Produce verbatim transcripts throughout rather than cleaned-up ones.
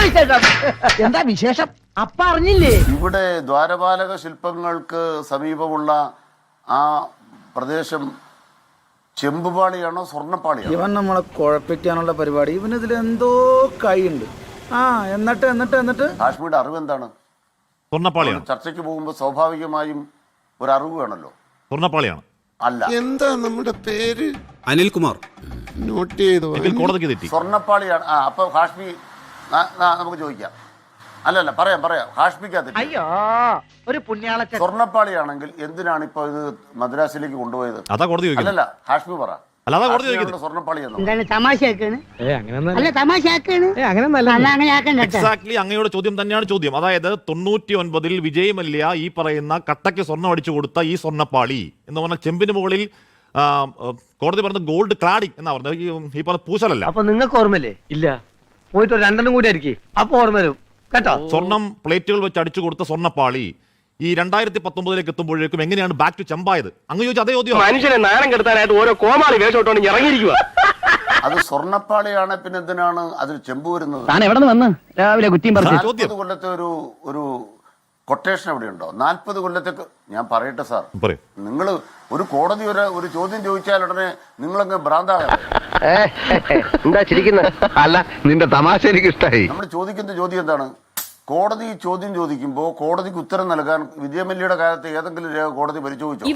എന്താ വിശേഷം? അപ്പ അറിഞ്ഞില്ലേ? ഇവിടെ ദ്വാരപാലക ശില്പങ്ങൾക്ക് സമീപമുള്ള ആ പ്രദേശം ചെമ്പുപാളിയാണോ സ്വർണ്ണപ്പാളിയാണോ? ഇവൻ നമ്മളെ കുഴപ്പിക്കാനുള്ള പരിപാടി. ഇവനിതിൽ എന്തോ കൈയുണ്ട്. ആ എന്നിട്ട് എന്നിട്ട് എന്നിട്ട് കാശ്മീരുടെ അറിവ് എന്താണ്? സ്വർണ്ണപ്പാളിയാണ്. ചർച്ചയ്ക്ക് പോകുമ്പോൾ സ്വാഭാവികമായും ഒരു അറിവ് വേണമല്ലോ. സ്വർണ്ണപ്പാളിയാണ്. അല്ല, എന്താ നമ്മുടെ പേര്? അനിൽകുമാർ. നോട്ട് ചെയ്തോ? കോടതിക്ക് തെറ്റി. സ്വർണ്ണപ്പാളിയാണ്. ആ അപ്പൊ ഹാഷ്മി നമുക്ക് ചോദിക്കാം. അല്ലല്ല പറയാം പറയാം ഹാഷ്മിക്കകത്ത് അയ്യോ ഒരു പുണ്യാളച്ച. സ്വർണ്ണപ്പാളിയാണെങ്കിൽ എന്തിനാണ് ഇപ്പൊ ഇത് മദ്രാസിലേക്ക് കൊണ്ടുപോയത്? അതാ കോടതി ചോദിക്കുന്നത്. അല്ലല്ല ഹാഷ്മി പറ. അല്ലാതെ കോടതി ചോദിക്കുന്നത്. സ്വർണ്ണപ്പാളി എന്നോ? എന്താണ് തമാശയാക്കാണ്? അല്ല തമാശയാക്കാണ്. അങ്ങനെ ആക്കണ്ട. എക്സാക്ട്ലി അങ്ങയുടെ ചോദ്യം തന്നെയാണ് ചോദ്യം. അതായത് തൊണ്ണൂറ്റി ഒൻപതിൽ വിജയ് മല്യ ഈ പറയുന്ന കട്ടയ്ക്ക് സ്വർണ്ണം അടിച്ചു കൊടുത്ത ഈ സ്വർണ്ണപ്പാളി എന്ന് പറഞ്ഞാൽ ചെമ്പിന് മുകളിൽ കോടതി പറഞ്ഞ ഗോൾഡ് ക്ലാഡിംഗ് എന്നാ പറഞ്ഞത്. ഈ പറഞ്ഞ പൂശലല്ല. അപ്പൊ നിങ്ങൾക്ക് ഓർമ്മല്ലേ? ഇല്ല, പോയിട്ട് ഒരു രണ്ടെണ്ണം കൂടി ആയിരിക്കും അപ്പൊ ഓർമ്മ വരും കേട്ടോ. സ്വർണം പ്ലേറ്റുകൾ വെച്ച് അടിച്ചു കൊടുത്ത സ്വർണ്ണപ്പാളി ഈ രണ്ടായിരത്തി പത്തൊമ്പതിലേക്ക് എത്തുമ്പോഴേക്കും എങ്ങനെയാണ് ബാക്ക് ടു ചെമ്പായത്? അങ്ങ് ചോദിച്ചു അതേ ചോദ്യം. മനുഷ്യനെ നാണം കെടുത്താനായിട്ട് ഓരോ കോമാളി വേഷോട്ടോണ്ട് ഇറങ്ങിയിരിക്കുക. അത് സ്വർണ്ണപ്പാളിയാണ്, പിന്നെ എന്തിനാണ് അതിൽ ചെമ്പ് വരുന്നത്? താൻ എവിടെ നിന്ന് വന്ന് രാവിലെ കുറ്റിയും പറഞ്ഞു? നാൽപ്പത് കൊല്ലത്തെ ഒരു ഒരു കൊട്ടേഷൻ എവിടെ ഉണ്ടോ? നാൽപ്പത് കൊല്ലത്തെ ഞാൻ പറയട്ടെ സാർ, നിങ്ങൾ ഒരു കോടതി ഒരു ഒരു ചോദ്യം ചോദിച്ചാൽ ഉടനെ നിങ്ങളങ്ങ് ഭ്രാന്താകാം. എന്താ ചിരിക്കുന്നത്? അല്ല, നിന്റെ തമാശ എനിക്ക് ഇഷ്ടമായി. നമ്മൾ ചോദിക്കുന്ന ചോദ്യം എന്താണ്? കോടതി ചോദ്യം ചോദിക്കുമ്പോൾ കോടതിക്ക് ഉത്തരം നൽകാൻ വിജയമല്യയുടെ കാലത്ത് ഏതെങ്കിലും രേഖ കോടതി പരിശോധിച്ചോ?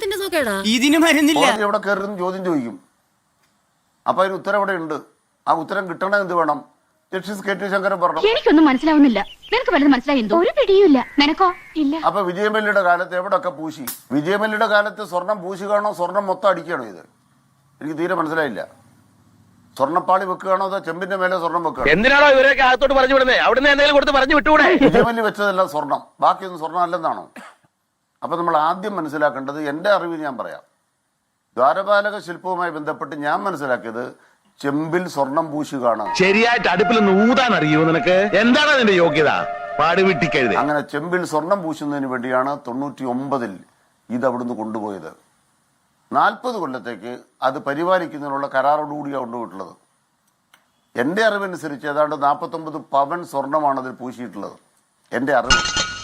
കോടതി എവിടെ കയറുന്ന ചോദ്യം ചോദിക്കും. അപ്പൊ അതിന് ഉത്തരം ഇവിടെ ഉണ്ട്. ആ ഉത്തരം കിട്ടണ എന്ത് വേണം? ജസ്റ്റിസ് കെ ടി ശങ്കരൻ പറഞ്ഞു. എനിക്കൊന്നും മനസ്സിലാവുന്നില്ല. നിനക്ക് വല്ലതും മനസ്സിലായി? ഒരു പിടിയുമില്ല. നിനക്കോ? ഇല്ല. അപ്പൊ വിജയമല്യയുടെ കാലത്ത് എവിടെയൊക്കെ പൂശി? വിജയമല്യയുടെ കാലത്ത് സ്വർണം പൂശുകയാണോ സ്വർണം മൊത്തം അടിക്കുകയാണോ? ഇത് എനിക്ക് തീരെ മനസ്സിലായില്ല. സ്വർണ്ണപ്പാളി വെക്കുകയാണോ അതോ ചെമ്പിന്റെ മേലെ സ്വർണം വെക്കുകയാണോ? എന്തിനാണോ ഇവരൊക്കെ അകത്തോട്ട് പറഞ്ഞു വിടുന്നത്? അവിടുന്ന് എന്തെങ്കിലും കൊടുത്ത് പറഞ്ഞു വിട്ടുകൂടെ? വിജയമല്യ വെച്ചതല്ല സ്വർണം, ബാക്കിയൊന്നും സ്വർണം അല്ലെന്നാണോ? അപ്പൊ നമ്മൾ ആദ്യം മനസ്സിലാക്കേണ്ടത്, എന്റെ അറിവിൽ ഞാൻ പറയാം, ദ്വാരപാലക ശില്പവുമായി ബന്ധപ്പെട്ട് ഞാൻ മനസ്സിലാക്കിയത് ചെമ്പിൽ സ്വർണം പൂശുകയാണ്. ശരിയായിട്ട് അടുപ്പിൽ ഊതാൻ അറിയോ നിനക്ക്? എന്താണ് അതിന്റെ യോഗ്യത? പാടുവിട്ടിക്കരുത്. അങ്ങനെ ചെമ്പിൽ സ്വർണം പൂശുന്നതിന് വേണ്ടിയാണ് തൊണ്ണൂറ്റി ഒമ്പതിൽ ഇത് അവിടുന്ന് കൊണ്ടുപോയത്. നാൽപ്പത് കൊല്ലത്തേക്ക് അത് പരിപാലിക്കുന്നതിനുള്ള കരാറോടുകൂടിയാണ് കൊണ്ടുപോയിട്ടുള്ളത്. എൻ്റെ അറിവനുസരിച്ച് ഏതാണ്ട് നാൽപ്പത്തൊമ്പത് പവൻ സ്വർണമാണ് അതിൽ പൂശിയിട്ടുള്ളത്. എൻ്റെ അറിവ്.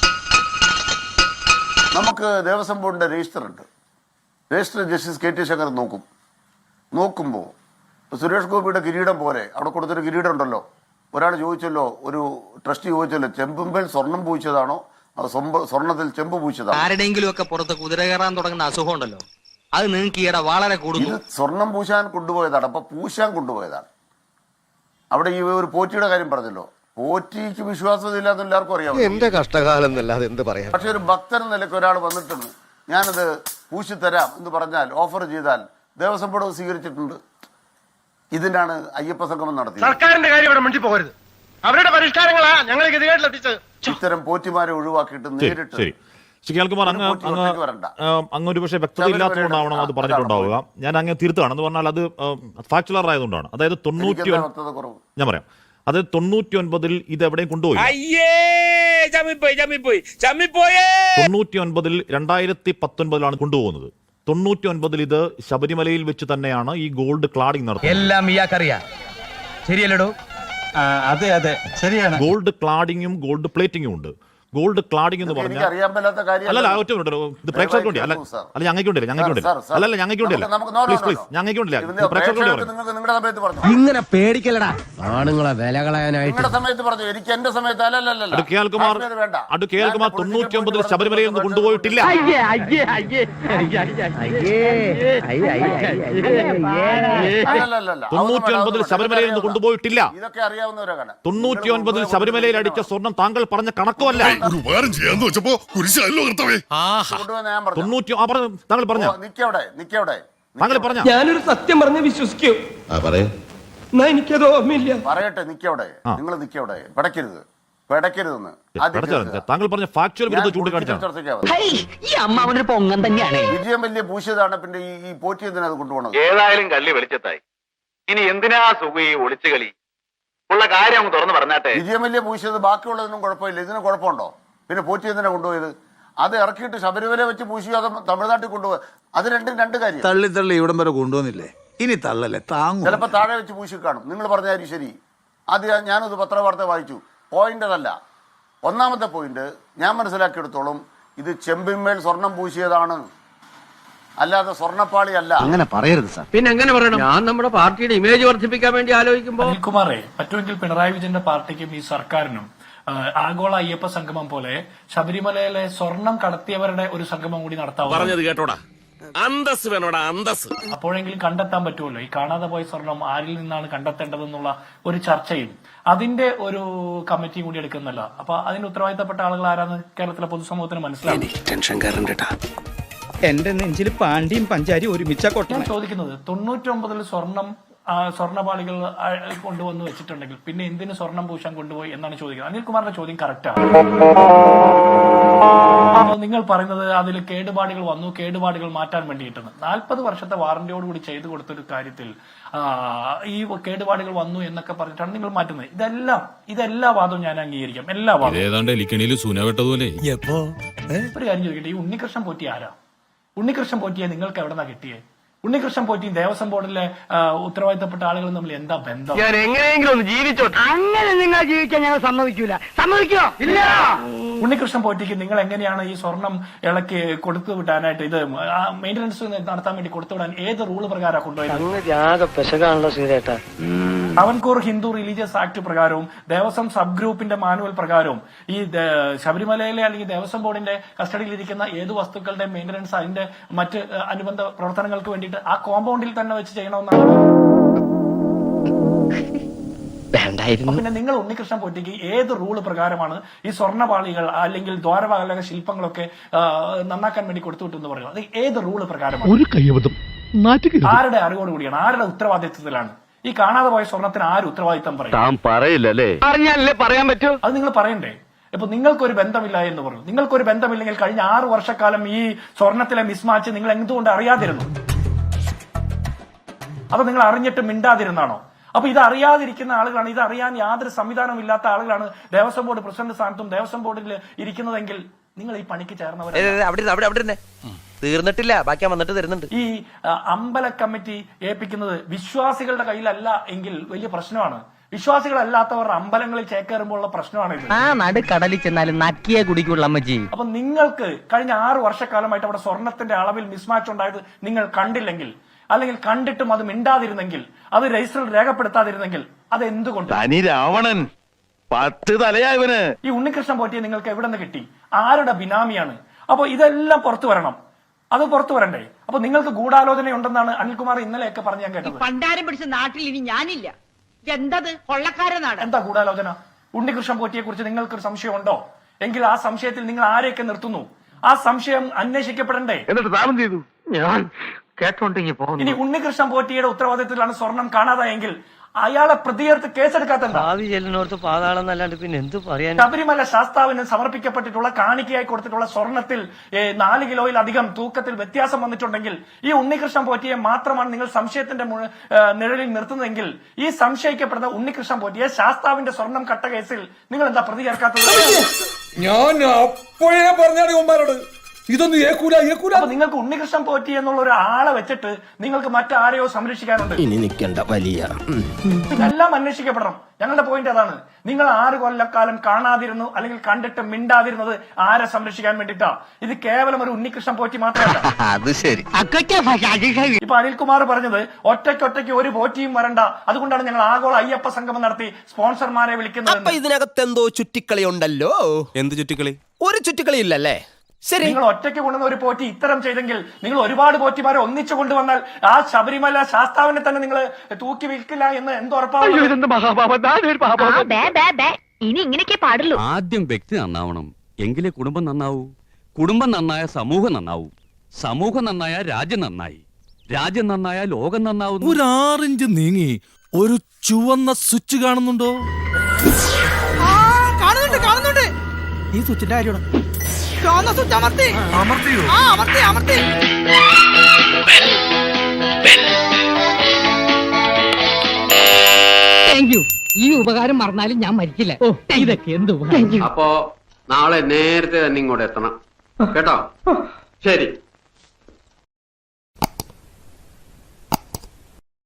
നമുക്ക് ദേവസ്വം ബോർഡിന്റെ രജിസ്റ്റർ ഉണ്ട്. Register justice K T Shankar നോക്കും. നോക്കുമ്പോൾ സുരേഷ് ഗോപിയുടെ കിരീടം പോലെ അവിടെ കൊടുത്തൊരു കിരീടം ഉണ്ടല്ലോ. ഒരാൾ ചോദിച്ചല്ലോ, ഒരു ട്രസ്റ്റി ചോദിച്ചല്ലോ, ചെമ്പുമ്പേൽ സ്വർണം പൂച്ചതാണോ സ്വർണത്തിൽ ചെമ്പ് പൂച്ചതാണോ? ആരുടെയെങ്കിലും ഒക്കെ പുറത്ത് കുതിര കയറാൻ തുടങ്ങുന്ന അസുഖം ഉണ്ടല്ലോ, അത് നിങ്ങൾക്ക് ഈയിടെ വളരെ കൂടുന്നു. ഇത് സ്വർണം പൂശാൻ കൊണ്ടുപോയതാണ്. അപ്പൊ പൂശാൻ കൊണ്ടുപോയതാണ്. അവിടെ ഈ ഒരു പോറ്റിയുടെ കാര്യം പറഞ്ഞല്ലോ, പോറ്റിക്ക് വിശ്വാസമില്ലാന്ന് എല്ലാവർക്കും അറിയാം. എന്റെ കഷ്ടകാലം എന്നല്ലാതെ എന്ത് പറയാം. പക്ഷെ ഒരു ഭക്തൻ നിലയ്ക്ക് ഒരാൾ വന്നിട്ടുണ്ട്, ഞാനത് പൂശിത്തരാം എന്ന് പറഞ്ഞാൽ, ഓഫർ ചെയ്താൽ ദേവസ്വം ബോർഡ് സ്വീകരിച്ചിട്ടുണ്ട്. ഇതിനാണ് അയ്യപ്പ സംഗമം നടത്തിയത്. സർക്കാരിന്റെ കാര്യം ഇവിടെ മിണ്ടി പോകരുത്. അവരുടെ പരിഷ്കാരങ്ങളാ ഞങ്ങൾ ഗതികേട്ടിലെത്തിച്ചത്. ഇത്തരം പോറ്റിമാരെ ഒഴിവാക്കിയിട്ട് നേരിട്ട് കേൾക്കുമാർ അങ്ങ് അങ്ങ് ഒരു പക്ഷേ വ്യക്തത ഇല്ലാത്തതുകൊണ്ടാവണം അത് പറഞ്ഞിട്ടുണ്ടാവുക. ഞാൻ അങ്ങ് തിരുത്താണ് എന്ന് പറഞ്ഞാൽ അത് ഫാക്ച്വലർ ആയതുകൊണ്ടാണ്. അതായത് തൊണ്ണൂറ്റി ഞാൻ പറയാം അത് തൊണ്ണൂറ്റി ഒൻപതിൽ ഇത് എവിടെയും കൊണ്ടുപോയി. തൊണ്ണൂറ്റി ഒൻപതിൽ രണ്ടായിരത്തി പത്തൊൻപതിലാണ് കൊണ്ടുപോകുന്നത്. തൊണ്ണൂറ്റി ഒൻപതിൽ ഇത് ശബരിമലയിൽ വെച്ച് തന്നെയാണ് ഈ ഗോൾഡ് ക്ലാഡിംഗ് നടത്തുന്നത്. എല്ലാം ഇയാൾക്കറിയാം, ശരിയല്ലടോ? അതെ അതെ ശരിയാണ്. ഗോൾഡ് ക്ലാഡിങ്ങും ഗോൾഡ് പ്ലേറ്റിംഗും ഉണ്ട്. ഗോൾഡ് ക്ലാഡിംഗ് എന്ന് പറഞ്ഞാൽ അല്ലല്ല ഒറ്റ മിനിറ്റ്, ഇത് പ്രേക്ഷകർക്ക് വേണ്ടി അല്ല അല്ല ഞങ്ങൾക്ക് വേണ്ടില്ല ഞങ്ങൾക്ക് വേണ്ടില്ല അല്ലല്ല ഞങ്ങൾക്ക് വേണ്ടില്ല പ്ലീസ് പ്ലീസ് ഞങ്ങൾക്ക് വേണ്ടില്ല പ്രേക്ഷകർക്ക് വേണ്ടി. ഇങ്ങനെ പേടിക്കലടാ ആണുങ്ങളെ വില കളയാനായിട്ട്. അത് കേൾക്കുമാർ അത് കേൾക്കുമാർ തൊണ്ണൂറ്റി ഒമ്പതിൽ ശബരിമലയിൽ നിന്ന് കൊണ്ടുപോയിട്ടില്ല. തൊണ്ണൂറ്റി ഒൻപതിൽ ശബരിമലയിൽ നിന്ന് കൊണ്ടുപോയിട്ടില്ല. തൊണ്ണൂറ്റി ഒൻപതിൽ ശബരിമലയിൽ അടിച്ച സ്വർണം താങ്കൾ പറഞ്ഞ കണക്കുമല്ല. ഞാനൊരു സത്യം പറഞ്ഞ് വിശ്വസിക്കൂ. എനിക്കത് ഓർമ്മയില്ല. പറയട്ടെ, നിക്കവിടെ, നിങ്ങൾ നിക്കവിടെ, പടക്കരുത് പടക്കരുതെന്ന് താങ്കൾ പറഞ്ഞ ഫാക്ച്വൽ വിരുദ്ധ ചൂണ്ടിക്കാണിച്ചാണ്. വിജയം വലിയ പൂശിയതാണ്. പിന്നെ ഈ പോറ്റി എന്തിനാ അത് കൊണ്ടുപോകണം? ഏതായാലും കള്ളി വെളിച്ചത്തായി. ഇനി എന്തിനാ സുഖ ഈ ഒളിച്ചുകളി ഉള്ള കാര്യം തുറന്നു പറഞ്ഞാട്ടെ. വിജയം വലിയ പൂശിയത് ബാക്കിയുള്ളതിനും കുഴപ്പമില്ല, ഇതിന് കുഴപ്പമുണ്ടോ? പിന്നെ പോറ്റി എന്തിനാ കൊണ്ടുപോയത്? അത് ഇറക്കിയിട്ട് ശബരിമല വെച്ച് പൂശിയോ അതോ തമിഴ്നാട്ടിൽ കൊണ്ടുപോയി? അത് രണ്ടും രണ്ട് കാര്യം. തള്ളി തള്ളി ഇവിടം വരെ കൊണ്ടുവന്നില്ലേ, ഇനി തള്ളല്ലേ താങ്ങും. ചിലപ്പോൾ താഴെ വെച്ച് പൂശി കാണും. നിങ്ങൾ പറഞ്ഞ കാര്യം ശരി. ആദ്യം ഞാനത് പത്രവാർത്ത വായിച്ചു. പോയിന്റ് അതല്ല. ഒന്നാമത്തെ പോയിന്റ് ഞാൻ മനസ്സിലാക്കിയെടുത്തോളം ഇത് ചെമ്പിന്മേൽ സ്വർണം പൂശിയതാണ്, അല്ലാതെ സ്വർണ്ണപ്പാളി അല്ല. അങ്ങനെ പറയരുത് സാർ. പിന്നെ എങ്ങനെ പറയണം? ഞാൻ നമ്മുടെ പാർട്ടിയുടെ ഇമേജ് വർദ്ധിപ്പിക്കാൻ വേണ്ടി ആലോചിക്കുമ്പോൾ അനിൽകുമാറെ, പറ്റുമെങ്കിൽ പിണറായി വിജയന്റെ പാർട്ടിക്കും ഈ സർക്കാരിനും ആഗോള അയ്യപ്പ സംഗമം പോലെ ശബരിമലയിലെ സ്വർണം കടത്തിയവരുടെ ഒരു സംഗമം കൂടി നടത്താം. പറഞ്ഞത് കേട്ടോടാ, അന്തസ് വേണോടാ, അന്തസ്. അപ്പോഴെങ്കിലും കണ്ടെത്താൻ പറ്റുമല്ലോ ഈ കാണാതെ പോയ സ്വർണം ആരിൽ നിന്നാണ് കണ്ടെത്തേണ്ടതെന്നുള്ള ഒരു ചർച്ചയും അതിന്റെ ഒരു കമ്മിറ്റിയും കൂടി എടുക്കുന്നല്ല. അപ്പൊ അതിന് ഉത്തരവാദിത്തപ്പെട്ട ആളുകൾ ആരാന്ന് കേരളത്തിലെ പൊതുസമൂഹത്തിന് മനസ്സിലാവും. ടെൻഷൻ കയറണ്ടട്ടാ. എന്റെ നെഞ്ചിൽ പാണ്ടിയും പഞ്ചാരി ഒരുമിച്ച ഞാൻ ചോദിക്കുന്നത് തൊണ്ണൂറ്റി ഒമ്പതിൽ സ്വർണം സ്വർണ്ണപാളികൾ കൊണ്ടുവന്ന് വെച്ചിട്ടുണ്ടെങ്കിൽ പിന്നെ എന്തിന് സ്വർണം പൂശാൻ കൊണ്ടുപോയി എന്നാണ് ചോദിക്കുന്നത്. അനിൽകുമാറിന്റെ ചോദ്യം കറക്റ്റാണ്. അപ്പോൾ നിങ്ങൾ പറയുന്നത് അതിൽ കേടുപാടുകൾ വന്നു, കേടുപാടുകൾ മാറ്റാൻ വേണ്ടിയിട്ടാണ്. നാൽപ്പത് വർഷത്തെ വാറന്റിയോടുകൂടി ചെയ്തു കൊടുത്തൊരു കാര്യത്തിൽ ഈ കേടുപാടുകൾ വന്നു എന്നൊക്കെ പറഞ്ഞിട്ടാണ് നിങ്ങൾ മാറ്റുന്നത്. ഇതെല്ലാം ഇതെല്ലാ വാദവും ഞാൻ അംഗീകരിക്കാം, എല്ലാ വാദവും. ഒരു കാര്യം ചോദിക്കട്ടെ, ഈ ഉണ്ണികൃഷ്ണൻ പോറ്റി ആരാ? ഉണ്ണികൃഷ്ണൻ പോറ്റിയെ നിങ്ങൾക്ക് എവിടെന്നാ കിട്ടിയേ? ഉണ്ണികൃഷ്ണൻ പോറ്റിയും ദേവസ്വം ബോർഡിലെ ഉത്തരവാദിത്തപ്പെട്ട ആളുകളും തമ്മിൽ എന്താ ബന്ധം? ഞാൻ എങ്ങനെയെങ്കിലും ഒന്ന് ജീവിച്ചോ. അങ്ങനെ നിങ്ങൾ ജീവിക്കാൻ ഞങ്ങൾ സമ്മതിക്കൂല. സമ്മതിക്കോ? ഇല്ല. ഉണ്ണികൃഷ്ണൻ പോറ്റിക്ക് നിങ്ങൾ എങ്ങനെയാണ് ഈ സ്വർണം ഇളക്കി കൊടുത്തു വിടാനായിട്ട് ഇത് മെയിന്റനൻസ് നടത്താൻ വേണ്ടി കൊടുത്തുവിടാൻ ഏത് റൂള് പ്രകാരം കൊണ്ടുപോയത്? ട്രാവൻകൂർ ഹിന്ദു റിലീജിയസ് ആക്ട് പ്രകാരവും ദേവസ്വം സബ് ഗ്രൂപ്പിന്റെ മാനുവൽ പ്രകാരവും ഈ ശബരിമലയിലെ അല്ലെങ്കിൽ ദേവസ്വം ബോർഡിന്റെ കസ്റ്റഡിയിലിരിക്കുന്ന ഏത് വസ്തുക്കളുടെ മെയിന്റനൻസ് അതിന്റെ മറ്റ് അനുബന്ധ പ്രവർത്തനങ്ങൾക്ക് വേണ്ടിയിട്ട് ആ കോമ്പൗണ്ടിൽ തന്നെ വെച്ച് ചെയ്യണമെന്നാണ്. പിന്നെ നിങ്ങൾ ഉണ്ണികൃഷ്ണൻ പോറ്റിക്ക് ഏത് റൂള് പ്രകാരമാണ് ഈ സ്വർണ്ണപാളികൾ അല്ലെങ്കിൽ ദ്വാരപാലക ശില്പങ്ങളൊക്കെ നന്നാക്കാൻ വേണ്ടി കൊടുത്തുവിട്ടെന്ന് പറയുന്നത്? അത് ഏത് റൂള് പ്രകാരമാണ്? ആരുടെ അറിവോടുകൂടിയാണ്, ആരുടെ ഉത്തരവാദിത്വത്തിലാണ്? ഈ കാണാതെ പോയ സ്വർണത്തിന് ആര് ഉത്തരവാദിത്തം പറയും? പറയില്ലല്ലേ? പറഞ്ഞാലേ പറയാൻ പറ്റൂ. അത് നിങ്ങൾ പറയണ്ടേ? ഇപ്പൊ നിങ്ങൾക്കൊരു ബന്ധമില്ല എന്ന് പറഞ്ഞു. നിങ്ങൾക്കൊരു ബന്ധമില്ലെങ്കിൽ കഴിഞ്ഞ ആറു വർഷക്കാലം ഈ സ്വർണത്തിലെ മിസ്മാച്ച് നിങ്ങൾ എന്തുകൊണ്ട് അറിയാതിരുന്നു? അപ്പൊ നിങ്ങൾ അറിഞ്ഞിട്ട് മിണ്ടാതിരുന്നാണോ? അപ്പൊ ഇത് അറിയാതിരിക്കുന്ന ആളുകളാണ്, ഇത് അറിയാൻ യാതൊരു സംവിധാനവും ഇല്ലാത്ത ആളുകളാണ് ദേവസ്വം ബോർഡ് പ്രസിഡന്റ് സ്ഥാനത്തും ദേവസ്വം ബോർഡിൽ ഇരിക്കുന്നതെങ്കിൽ നിങ്ങൾ ഈ പണിക്ക് ചേർന്നവരാണ്. തീർന്നിട്ടില്ല, ബാക്കി വന്നിട്ട് തരുന്നുണ്ട്. ഈ അമ്പല കമ്മിറ്റി ഏൽപ്പിക്കുന്നത് വിശ്വാസികളുടെ കയ്യിലല്ല എങ്കിൽ വലിയ പ്രശ്നമാണ്. വിശ്വാസികളല്ലാത്തവർ അമ്പലങ്ങളിൽ ചേക്കേറുമ്പോഴുള്ള പ്രശ്നമാണ് ഇത്. ആ നടുക്കടലിൽ ചെന്നാലും നക്കിയെ കുടിക്കുള്ള അമ്മജി. അപ്പൊ നിങ്ങൾക്ക് കഴിഞ്ഞ ആറു വർഷക്കാലമായിട്ട് അവിടെ സ്വർണത്തിന്റെ അളവിൽ മിസ്മാച്ച് ഉണ്ടായത് നിങ്ങൾ കണ്ടില്ലെങ്കിൽ, അല്ലെങ്കിൽ കണ്ടിട്ടും അത് മിണ്ടാതിരുന്നെങ്കിൽ, അത് രജിസ്റ്ററിൽ രേഖപ്പെടുത്താതിരുന്നെങ്കിൽ അത് എന്തുകൊണ്ട്? രാവണൻ പത്ത് തലയായവന് ഈ ഉണ്ണികൃഷ്ണൻ പോറ്റിയെ നിങ്ങൾക്ക് എവിടെ നിന്ന് കിട്ടി? ആരുടെ ബിനാമിയാണ്? അപ്പൊ ഇതെല്ലാം പുറത്തു വരണം. അത് പുറത്തു വരണ്ടേ? അപ്പൊ നിങ്ങൾക്ക് ഗൂഢാലോചന ഉണ്ടെന്നാണ് അനിൽകുമാർ ഇന്നലെയൊക്കെ പറഞ്ഞു ഞാൻ കേട്ടത്. പണ്ടാരം പിടിച്ച നാട്ടിൽ ഇനി ഞാനില്ല. എന്തത് കൊള്ളക്കാരനാണ്? എന്താ ഗൂഢാലോചന? ഉണ്ണികൃഷ്ണൻ പോറ്റിയെ കുറിച്ച് നിങ്ങൾക്കൊരു സംശയം ഉണ്ടോ? എങ്കിൽ ആ സംശയത്തിൽ നിങ്ങൾ ആരെയൊക്കെ നിർത്തുന്നു? ആ സംശയം അന്വേഷിക്കപ്പെടണ്ടേ? എന്നിട്ട് താമം ചെയ്തു. ഞാൻ കേട്ടോണ്ടെങ്കിൽ പോകുന്നു. ഇനി ഉണ്ണികൃഷ്ണൻ പോറ്റിയുടെ ഉത്തരവാദിത്തത്തിലാണ് സ്വർണം കാണാതായെങ്കിൽ അയാളെ പ്രതിയേർത്ത് കേസെടുക്കാത്ത പിന്നെ എന്ത് പറയാൻ? ശബരിമല ശാസ്താവിന് സമർപ്പിക്കപ്പെട്ടിട്ടുള്ള കാണിക്കയായി കൊടുത്തിട്ടുള്ള സ്വർണത്തിൽ നാല് കിലോയിലധികം തൂക്കത്തിൽ വ്യത്യാസം വന്നിട്ടുണ്ടെങ്കിൽ ഈ ഉണ്ണികൃഷ്ണൻ പോറ്റിയെ മാത്രമാണ് നിങ്ങൾ സംശയത്തിന്റെ നിഴലിൽ നിർത്തുന്നതെങ്കിൽ ഈ സംശയിക്കപ്പെടുന്ന ഉണ്ണികൃഷ്ണൻ പോറ്റിയെ ശാസ്താവിന്റെ സ്വർണം കട്ട കേസിൽ നിങ്ങൾ എന്താ പ്രതി ചേർക്കാത്തത്? ഞാൻ അപ്പോഴേ പറഞ്ഞാട് ഇതൊന്നും ഏക്കൂല ഏക്കൂല. അപ്പൊ നിങ്ങൾക്ക് ഉണ്ണികൃഷ്ണൻ പോറ്റി എന്നുള്ള ഒരു ആളെ വെച്ചിട്ട് നിങ്ങൾക്ക് മറ്റാരെയോ സംരക്ഷിക്കാനുണ്ട്. ഇനി നിൽക്കണ്ട വലിയ ഇതെല്ലാം അന്വേഷിക്കപ്പെടണം. ഞങ്ങളുടെ പോയിന്റ് അതാണ്. നിങ്ങൾ ആറ് കൊല്ലക്കാലം കാണാതിരുന്നു അല്ലെങ്കിൽ കണ്ടിട്ട് മിണ്ടാതിരുന്നത് ആരെ സംരക്ഷിക്കാൻ വേണ്ടിട്ടാ? ഇത് കേവലം ഒരു ഉണ്ണികൃഷ്ണൻ പോറ്റി മാത്രമല്ല. അത് ശരി. ഇപ്പൊ അനിൽകുമാർ പറഞ്ഞത് ഒറ്റയ്ക്കൊറ്റയ്ക്ക് ഒരു പോറ്റിയും വരണ്ട, അതുകൊണ്ടാണ് ഞങ്ങൾ ആഗോള അയ്യപ്പ സംഗമം നടത്തി സ്പോൺസർമാരെ വിളിക്കുന്നത്. ഇതിനകത്ത് എന്തോ ചുറ്റിക്കളി ഉണ്ടല്ലോ. എന്ത് ചുറ്റിക്കളി? ഒരു ചുറ്റിക്കളി ഇല്ലല്ലേ? ശരി, നിങ്ങൾ ഒറ്റയ്ക്ക് കൊണ്ടുവന്ന ഒരു പോറ്റി ഇത്തരം ചെയ്തെങ്കിൽ നിങ്ങൾ ഒരുപാട് പോറ്റിമാരെ ഒന്നിച്ചു കൊണ്ടുവന്നാൽ ആ ശബരിമല ശാസ്താവിനെ തന്നെ നിങ്ങൾ തൂക്കി വിൽക്കില്ല എന്ന് എന്തുറപ്പാണ്? ഇനി ഇങ്ങനെയൊക്കെ പാടുള്ളൂ. ആദ്യം വ്യക്തി നന്നാവണം, എങ്കിലേ കുടുംബം നന്നാവൂ. കുടുംബം നന്നായ സമൂഹം നന്നാവൂ. സമൂഹം നന്നായ രാജ്യം നന്നായി. രാജ്യം നന്നായ ലോകം നന്നാവുന്നു. ഒരു ആറിഞ്ച് നീങ്ങി ഒരു ചുവന്ന സ്വിച്ച് കാണുന്നുണ്ടോ? കാണുന്നുണ്ട് കാണുന്നുണ്ട്. ഈ സ്വിച്ചിന്റെ കാര്യമാണ്. ഈ ഉപകാരം മറന്നാലും ഞാൻ മരിക്കില്ല. ഇതൊക്കെ എന്ത്? അപ്പോ നാളെ നേരത്തെ തന്നെ ഇങ്ങോട്ട് എത്തണം കേട്ടോ? ശരി.